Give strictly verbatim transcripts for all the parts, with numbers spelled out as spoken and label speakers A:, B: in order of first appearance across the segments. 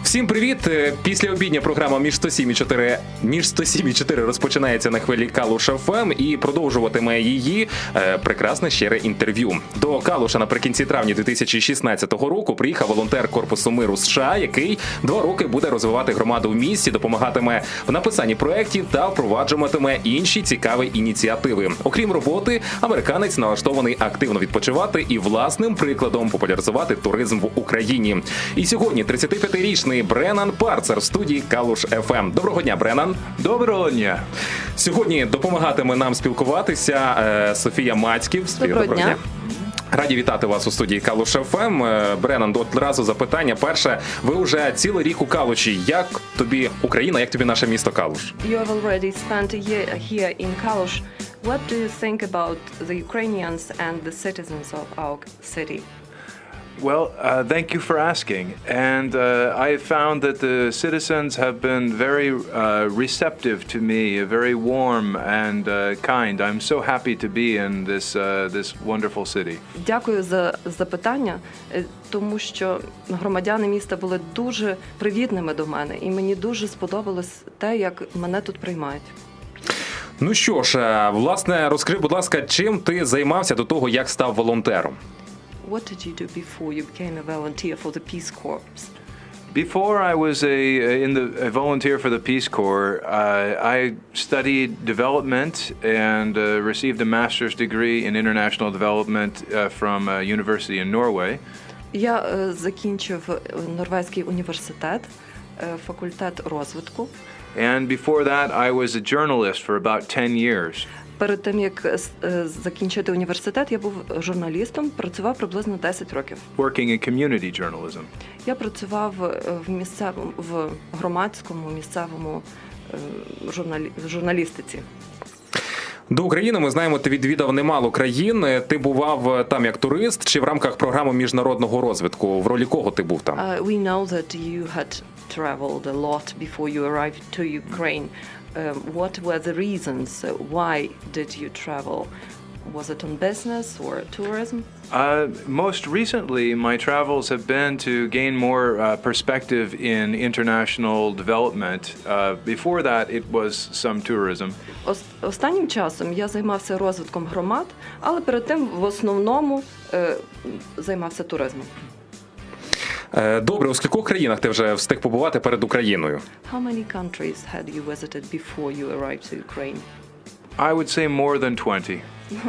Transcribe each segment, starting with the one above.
A: Всім привіт! Після обідня програма «Між сто сім і чотири» «Між сто сім і чотири» розпочинається на хвилі Калуш еф ем і продовжуватиме її е, прекрасне щире інтерв'ю. До Калуша наприкінці травня дві тисячі шістнадцятого року приїхав волонтер Корпусу миру США, який два роки буде розвивати громаду в місті, допомагатиме в написанні проєктів та впроваджуватиме інші цікаві ініціативи. Окрім роботи, американець налаштований активно відпочивати і власним прикладом популяризувати туризм в Україні. І сьогодні тридцятип'ятирічний Бреннан Парцер в студії Калуш еф ем. Доброго дня, Бреннан.
B: Доброго дня.
A: Сьогодні допомагатиме нам спілкуватися е, Софія Мацьків. Софія,
C: доброго, доброго дня.
A: дня. Раді вітати вас у студії Калуш еф ем. Е, Бреннан, одразу запитання. Перше, ви вже цілий рік у Калуші. Як тобі Україна, як тобі наше місто Калуш?
C: You have already spent a year here in Kalush. What do you think about the Ukrainians and the citizens of our city?
B: Well, uh, thank you for asking. And uh, I found that the citizens have been very uh, receptive to me, very warm and uh, kind. I'm so happy to be in this uh, this wonderful city.
C: Дякую за запитання, е, тому що громадяни міста були дуже привітними до мене, і мені дуже сподобалось те, як мене тут приймають.
A: Ну що ж, е, власне, розкажи, будь ласка, чим ти займався до того, як став волонтером?
C: What did you do before you became a volunteer for the Peace Corps?
B: Before I was a in the a volunteer for the Peace Corps, uh, I studied development and uh, received a master's degree in international development uh, from a university in Norway.
C: Я е, закінчив Норвезький університет, е, факультет розвитку.
B: And before that, I was a journalist for about ten years.
C: Перед тим, як е, закінчити університет, я був журналістом, працював приблизно десять років.
B: Working in community journalism.
C: Я працював е, в місцевому, в громадському, місцевому е, журналі, журналістиці.
A: До України, ми знаємо, ти відвідав немало країн. Ти бував там як турист чи в рамках програми міжнародного розвитку? В ролі кого ти був там?
C: Uh, we know that you had traveled a lot before you arrived to Ukraine. Um, what were the reasons? Why did you travel? Was it on business or tourism?
B: Uh, most recently, my travels have been to gain more uh, perspective in international development. Uh, before that, it was some tourism.
C: Ос- Останнім часом я займався розвитком громад, але перед тим в основному е, займався туризмом.
A: Е, Добре, у скількох країнах ти вже встиг побувати перед Україною?
C: How many countries had you visited before you arrived to Ukraine?
B: I would say more than twenty.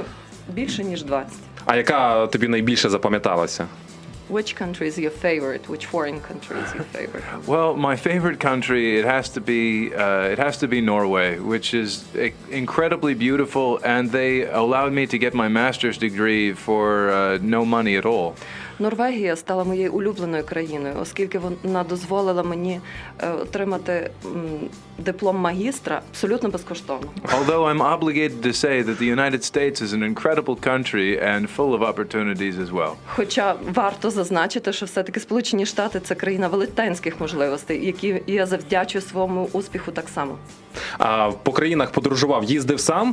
C: Більше ніж двадцять.
A: А яка тобі найбільше запам'яталася?
C: Which country is your favorite? Which foreign country is your favorite?
B: Well, my favorite country it has to be uh, it has to be Norway, which is i- incredibly beautiful, and they allowed me to get my master's degree for uh, no money at all.
C: Норвегія стала моєю улюбленою країною, оскільки вона дозволила мені е, отримати м, диплом магістра абсолютно безкоштовно.
B: Although I'm obligated to say that the United States is an incredible country and full of opportunities as well.
C: Хоча варто зазначити, що все-таки Сполучені Штати – це країна велетенських можливостей, які я завдячую своєму успіху так само.
A: А по країнах подорожував, їздив сам?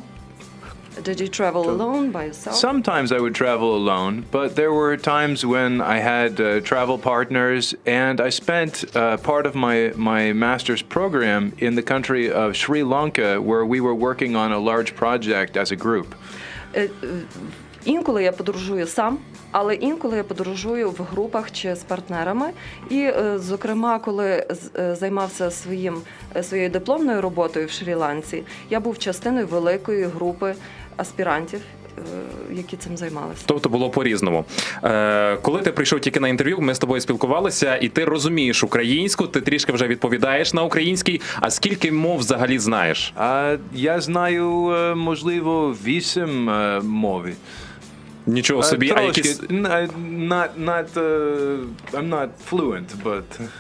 C: Did you travel alone by yourself?
B: Sometimes I would travel alone, but there were times when I had uh, travel partners, and I spent uh, part of my, my master's program in the country of Sri Lanka, where we were working on a large project as a group.
C: Е, е, Інколи я подорожую сам, але інколи я подорожую в групах чи з партнерами. І, е, зокрема, коли з- е, займався своїм, е, своєю дипломною роботою в Шрі-Ланці, я був частиною великої групи аспірантів, е, які цим займалися.
A: Тобто було по-різному. Е, коли ти прийшов тільки на інтерв'ю, ми з тобою спілкувалися, і ти розумієш українську, ти трішки вже відповідаєш на українській. А скільки мов взагалі знаєш?
B: Uh, я знаю, uh, можливо, вісім uh, мови.
A: Нічого
B: Uh,
A: собі, а
B: трошки.
A: якісь...
B: N- uh, not, not, uh, I'm not fluent, but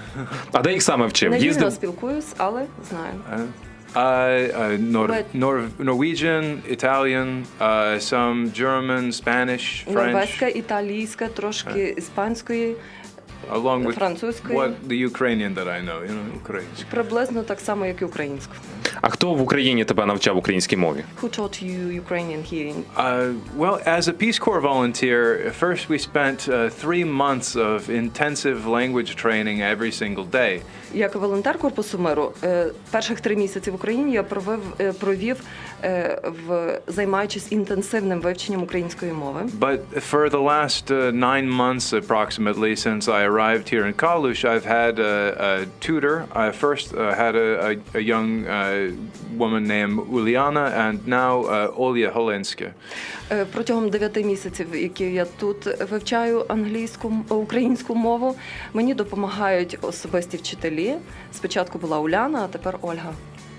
A: А де їх саме вчив?
C: Невільно
A: Їздив?
C: спілкуюсь, але знаю.
B: uh, uh, uh, Nor-
C: But-
B: Nor- Norwegian, Italian, uh, some German, Spanish, French.
C: Норвезька, італійська, трошки іспанської,
B: along with
C: Французькою.
B: what the Ukrainian that I know, you know, українською.
C: Приблизно так само, як і українською.
A: А хто в Україні тебе навчав українській мові?
C: Who taught you Ukrainian here in
B: Uh, well, as a Peace Corps volunteer, first we spent uh, three months of intensive language training every single day.
C: Як волонтер Корпусу миру, е, перших три місяці в Україні я провів, е, провів е, в займаючись інтенсивним вивченням української мови.
B: But for the last uh, nine months approximately since I arrived here in Kalush, I've had a, a tutor. I first uh, had a, a, a young uh, woman named Uliana and now uh, Olya Holenska.
C: Е, Протягом дев'яти місяців, які я тут вивчаю англійську м- українську мову, мені допомагають особисті вчителі. Спочатку була Уляна, а тепер Ольга.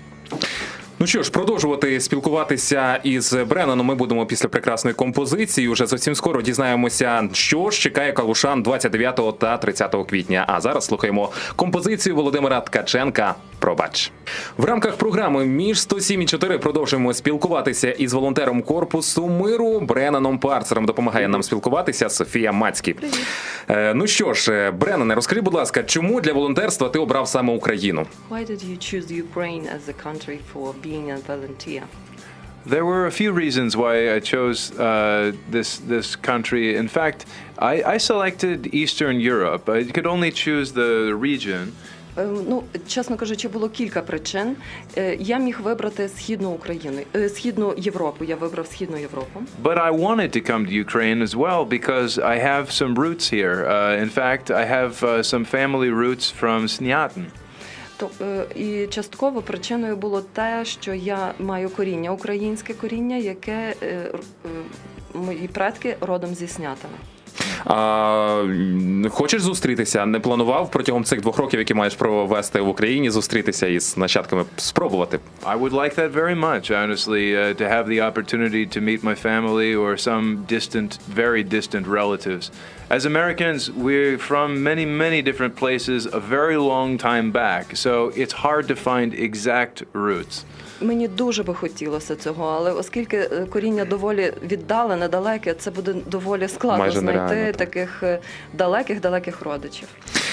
A: Ну що ж, продовжувати спілкуватися із Бреннаном ми будемо після прекрасної композиції. Уже зовсім скоро дізнаємося, що ж чекає калушан двадцять дев'ятого та тридцятого квітня. А зараз слухаємо композицію Володимира Ткаченка «Пробач». В рамках програми «Між сто сім і чотири» продовжуємо спілкуватися із волонтером Корпусу миру Бреннаном Парцером. Допомагає нам спілкуватися Софія Мацькі. Е, ну що ж, Бреннане, розкажи, будь ласка, чому для волонтерства ти обрав саме Україну?
C: Why did you choose Ukraine as a country for being a volunteer?
B: There were a few reasons why I chose uh, this this country. In fact, I, I selected Eastern Europe. I could only choose the region.
C: Е, Ну, чесно кажучи, було кілька причин. Е, Я міг вибрати східну Україну, е, східну Європу. Я вибрав східну Європу.
B: But I wanted to come to Ukraine as well because I have some roots here. Uh, in fact, I have uh, some family roots from Snyatin.
C: То е, і частково причиною було те, що я маю коріння, українське коріння, яке е, р- е, мої предки родом зі Снятина.
A: А, м, хочеш зустрітися? Не планував протягом цих двох років, які маєш провести в Україні, зустрітися із нащадками, спробувати?
B: I would like that very much, honestly, uh, to have the opportunity to meet my family or some distant, very distant relatives. As Americans, we're from many, many different places a very long time back, so it's hard to find exact roots.
C: Мені дуже би хотілося цього, але оскільки е, коріння доволі віддалене, далеке, це буде доволі складно
A: Майже
C: знайти
A: нереально, так.
C: таких е, далеких-далеких родичів.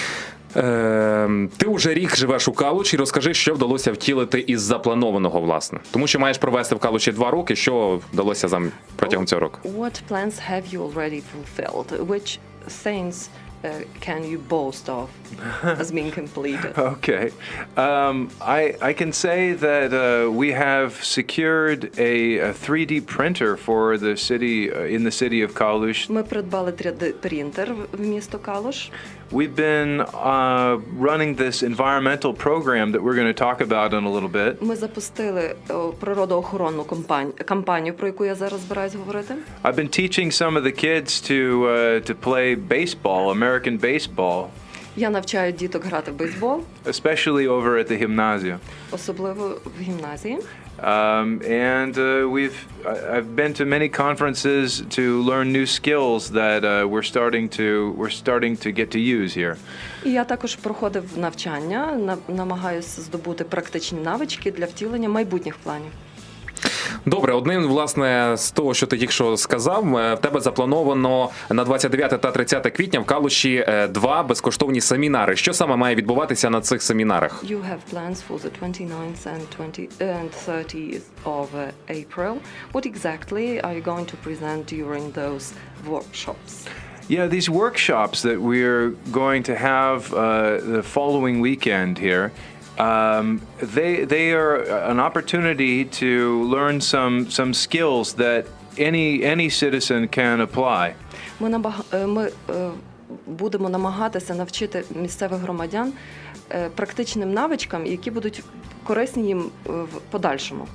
A: Е, ти уже рік живеш у Калуші. Розкажи, що вдалося втілити із запланованого, власне. Тому що маєш провести в Калуші два роки. Що вдалося зам... протягом цього року?
C: What plans have you already fulfilled? Which things uh, can you boast of as being completed?
B: Okay. Um, I, I can say that uh, we have secured a, a three D printer for the city, uh, in the city of Kalush.
C: Ми придбали три Д принтер в- в місто Калуш.
B: We've been uh, running this environmental program that we're going to talk about in a little bit.
C: Ми запустили о, природоохоронну кампанію, кампанію, про яку я зараз збираюсь говорити.
B: I've been teaching some of the kids to uh, to play baseball, American baseball,
C: Я навчаю діток грати в бейсбол,
B: especially over at the gymnasium.
C: особливо в гімназії.
B: Um, and uh, we've I- I've been to many conferences to learn new skills that uh, we're starting to we're starting to get to use here.
C: І я також проходив навчання, на- намагаюся здобути практичні навички для втілення майбутніх планів.
A: Добре, одним, власне, з того, що ти тільки що сказав, е, в тебе заплановано на двадцять дев'яте та тридцяте квітня в Калуші е, два безкоштовні семінари. Що саме має відбуватися на цих семінарах?
C: You have plans for the twenty-ninth and twenty and thirtieth of uh, April. What exactly are you going to present during those workshops?
B: Yeah, these workshops that we're going to have uh, the following weekend here, um, they they are an opportunity to learn some some skills that any any citizen can apply.
C: Ми набага... е, ми е, будемо намагатися навчити місцевих громадян е, практичним навичкам, які будуть корисні їм е, в подальшому.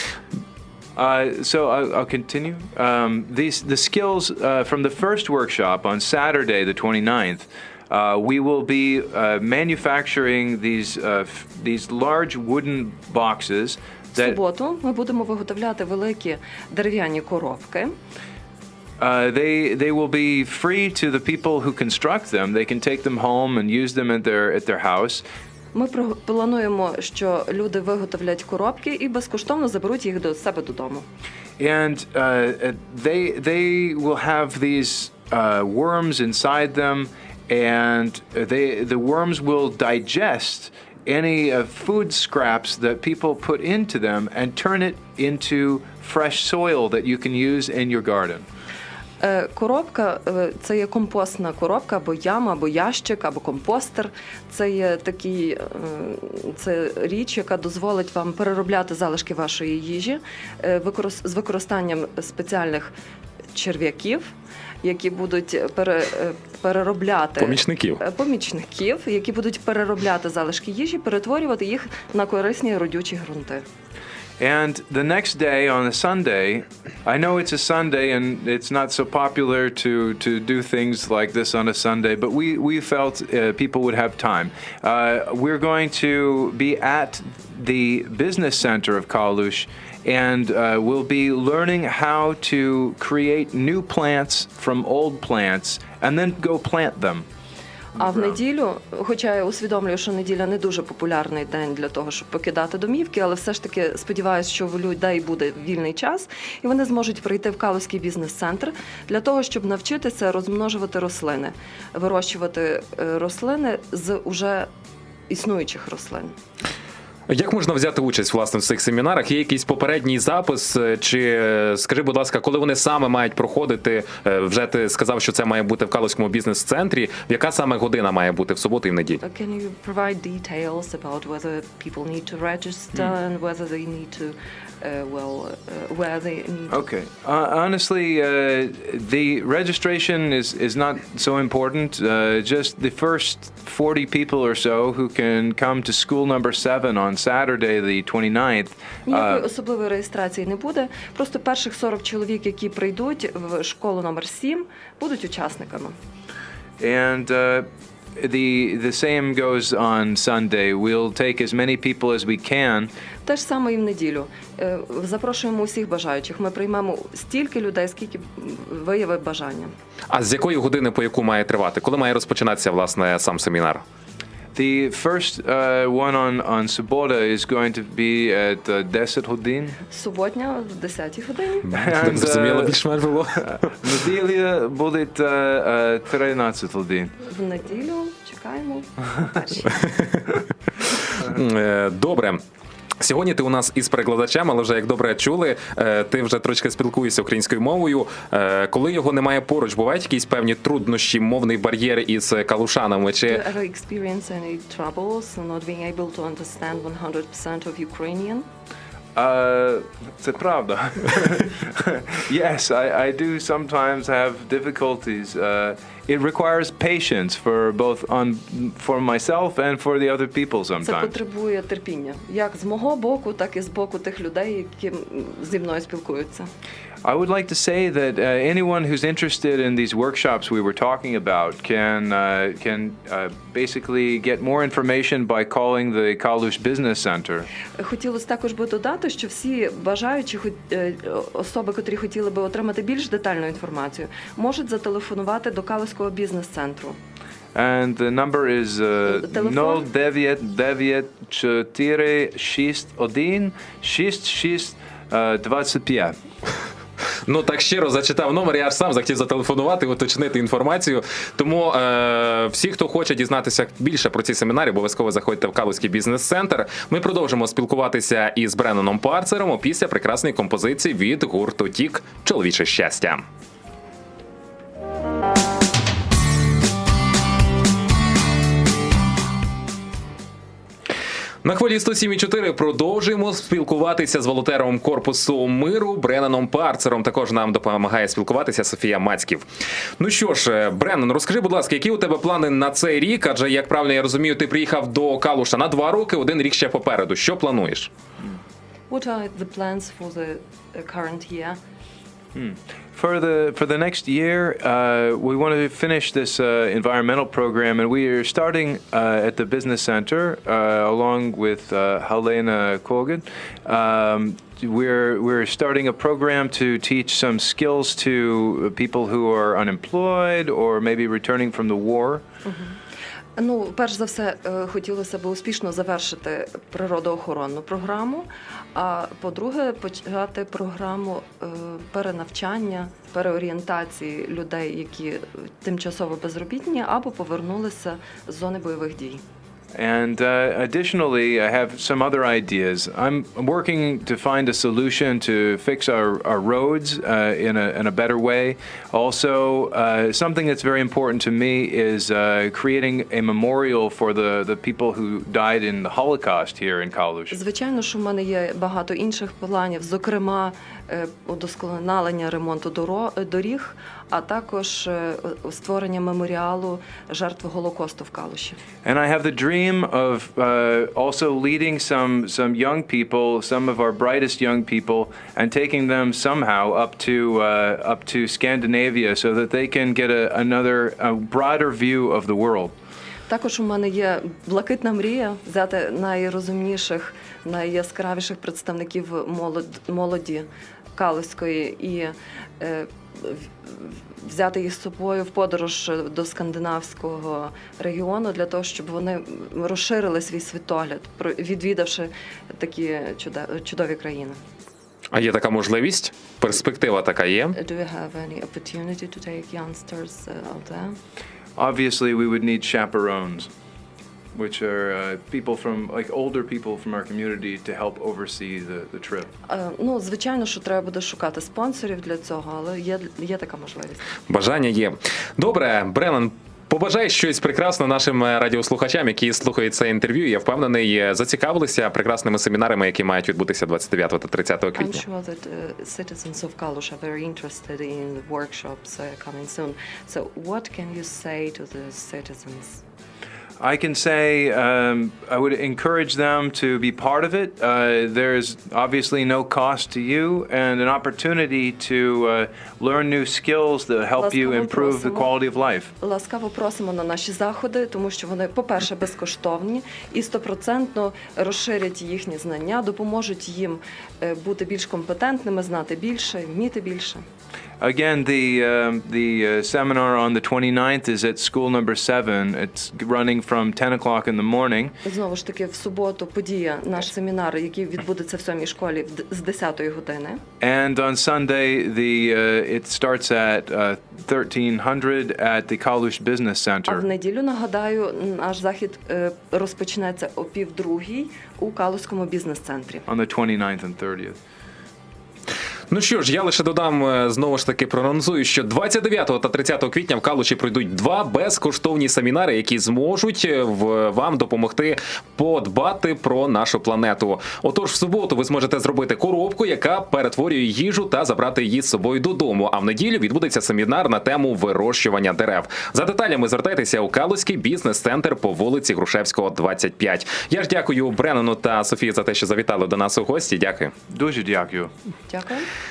B: Uh, so I'll, I'll continue. Um, these the skills uh, from the first workshop on Saturday, the twenty-ninth. Uh, we will be uh, manufacturing these uh, f- these large wooden boxes
C: В
B: that
C: суботу ми будемо виготовляти великі дерев'яні коробки.
B: uh, they they will be free to the people who construct them. They can take them home and use them at their at their house.
C: Ми про- плануємо, що люди виготовлять коробки і безкоштовно заберуть їх до себе додому.
B: And uh, uh, they they will have these uh, worms inside them, and they the worms will digest any uh, food scraps that people put into them and turn it into fresh soil that you can use in your garden.
C: Е, Коробка е, це є компостна коробка, або яма, або ящик, або компостер. Це є такий, е, це річ, яка дозволить вам переробляти залишки вашої їжі е, викорис- з використанням спеціальних черв'яків, які будуть пере, е, переробляти
A: Помічників.
C: е, помічників, які будуть переробляти залишки їжі, перетворювати їх на корисні родючі ґрунти.
B: And the next day on a Sunday, I know it's a Sunday and it's not so popular to, to do things like this on a Sunday, but we, we felt uh, people would have time. Uh, we're going to be at the business center of Kalush, and uh, we'll be learning how to create new plants from old plants and then go plant them.
C: А в неділю, хоча я усвідомлюю, що неділя не дуже популярний день для того, щоб покидати домівки, але все ж таки сподіваюся, що в людей буде вільний час, і вони зможуть прийти в Калузький бізнес-центр для того, щоб навчитися розмножувати рослини, вирощувати е, рослини з уже існуючих рослин.
A: Як можна взяти участь власне в цих семінарах? Є якийсь попередній запис? Чи скажи, будь ласка, коли вони саме мають проходити? Вже ти сказав, що це має бути в Калузькому бізнес-центрі. Яка саме година має бути в суботу і в неділю?
C: Uh, Can you provide details about whether people need to register and whether they need to, uh, well, uh, where they need to...
B: Okay. Uh, honestly, uh, the registration is, is not so important. Uh, just the first forty people or so who can come to school number seven on Saturday, the twenty-ninth.
C: Ніякої
B: Uh,
C: особливої реєстрації не буде. Просто перших сорок чоловік, які прийдуть в школу номер сім, будуть учасниками.
B: and uh, the the same goes on Sunday. We'll take as many people as we can.
C: Те ж саме і в неділю. Е, Запрошуємо усіх бажаючих. Ми приймемо стільки людей, скільки виявить бажання.
A: А з якої години по яку має тривати? Коли має розпочинатися власне сам семінар?
B: The first uh, one on on Subota is going to be at uh, десять годин.
C: Суботня в десятій годині.
B: And,
A: Зрозуміло,
B: uh,
A: більш-менш було.
B: неділя буде uh, uh, тринадцять годин.
C: В неділю чекаємо. перші.
A: Е, Добре. Сьогодні ти у нас із перекладачем, але вже як добре чули, е, ти вже трошки спілкуєшся українською мовою. Е, Коли його немає поруч, бувають якісь певні труднощі, мовний бар'єр із калушанами?
C: Do you
A: Чи
C: ever experience any troubles not being able to understand one hundred percent of Ukrainian?
B: Uh, це правда. Yes, I, I do sometimes have difficulties. Uh, it requires patience for both on for myself and for the other people
C: Це
B: sometimes.
C: потребує терпіння, як з мого боку, так і з боку тих людей, які зі мною спілкуються.
B: I would like to say that uh, anyone who's interested in these workshops we were talking about can uh, can uh, basically get more information by calling the Kalush Business Center.
C: Хотілося також би додати, що всі бажаючі хот- е, особи, котрі хотіли би отримати більш детальну інформацію, можуть зателефонувати до Калузького бізнес-центру.
B: And the number is uh,
C: Телефон?
B: нуль дев'ять дев'ять чотири шість один шість шість двадцять п'ять.
A: ну так щиро зачитав номер, я аж сам захотів зателефонувати, уточнити інформацію. Тому е, всі, хто хоче дізнатися більше про ці семінари, обов'язково заходьте в Калузький бізнес-центр. Ми продовжимо спілкуватися із Бренноном Парцером після прекрасної композиції від гурту Тік «Чоловіче щастя». На хвилі сто сім і чотири продовжуємо спілкуватися з волонтером Корпусу миру Бренноном Парцером. Також нам допомагає спілкуватися Софія Мацьків. Ну що ж, Бреннон, розкажи, будь ласка, які у тебе плани на цей рік? Адже, як правильно я розумію, ти приїхав до Калуша на два роки, один рік ще попереду. Що плануєш?
C: What are the plans for the uh, current year?
B: For the for the next year, uh, we want to finish this uh, environmental program, and we are starting uh, at the business center uh, along with uh, Helena Kogan. Um, we're we're starting a program to teach some skills to people who are unemployed or maybe returning from the war.
C: Ну, перш за все, е, хотілося б успішно завершити природоохоронну програму, а по-друге, почати програму е, перенавчання, переорієнтації людей, які тимчасово безробітні або повернулися з зони бойових дій.
B: And uh, additionally, I have some other ideas. I'm working to find a solution to fix our, our roads uh, in, a, in a better way. Also, uh, something that's very important to me is uh, creating a memorial for the, the people who died in the Holocaust here in Kalush.
C: Звичайно, що в мене є багато інших планів, зокрема, е, удосконалення ремонту доро- доріг, а також е, створення меморіалу жертв Голокосту в Калуші.
B: And I have the dream of uh, also leading some some young people, some of our brightest young people, and taking them somehow up to uh, up to Scandinavia so that they can get a, another a broader view of the world.
C: Також у мене є блакитна мрія взяти найрозумніших, найяскравіших представників молод- молоді Калуської і е, в- взяти їх з собою в подорож до скандинавського регіону для того, щоб вони розширили свій світогляд, про- відвідавши такі чуда- чудові країни.
A: А є така можливість? Перспектива така є?
C: Do you have any opportunity to take youngsters uh, out there?
B: Obviously, we would need chaperones, which are uh, people from like older people from our community to help oversee the, the trip.
C: Е, Ну, звичайно, що треба буде шукати спонсорів для цього, але є, є така можливість.
A: Бажання є. Добре, Бреннан, побажай щось прекрасне нашим е, радіослухачам, які слухають це інтерв'ю. Я впевнений, е, зацікавилися прекрасними семінарами, які мають відбутися двадцять дев'ятого та тридцятого
C: I'm
A: квітня.
C: sure that uh, citizens of Kalush are very interested in the workshops uh, coming soon. So what can you say to the citizens?
B: I can say um, I would encourage them to be part of it. Uh, there's obviously no cost to you and an opportunity to uh, learn new skills that help you
C: Ласкаво
B: improve the
C: просимо.
B: quality of life.
C: Ласкаво просимо на наші заходи, тому що вони, по-перше, безкоштовні і стопроцентно розширять їхні знання, допоможуть їм е, бути більш компетентними, знати більше, вміти більше.
B: Again, the um, the uh, seminar on the twenty-ninth is at school number seven. It's running from ten o'clock in the morning.
C: Знову ж таки, в суботу подія, наш семінар, який відбудеться в сьомій школі в д- з десятої години.
B: And on Sunday, the uh, it starts at uh, thirteen hundred at the Kalush Business
C: А в
B: Center.
C: неділю, нагадаю, наш захід е, розпочнеться о півдругій у Калузькому бізнес-центрі.
B: On the twenty-ninth and thirtieth.
A: Ну що ж, я лише додам, е, знову ж таки проанонсую, що двадцять дев'ятого та тридцятого квітня в Калуші пройдуть два безкоштовні семінари, які зможуть е, в, вам допомогти подбати про нашу планету. Отож, в суботу ви зможете зробити коробку, яка перетворює їжу та забрати її з собою додому. А в неділю відбудеться семінар на тему вирощування дерев. За деталями звертайтеся у Калузький бізнес-центр по вулиці Грушевського, двадцять п'ять. Я ж дякую Бреннану та Софії за те, що завітали до нас у гості. Дякую.
B: Дуже дякую.
C: Дякую.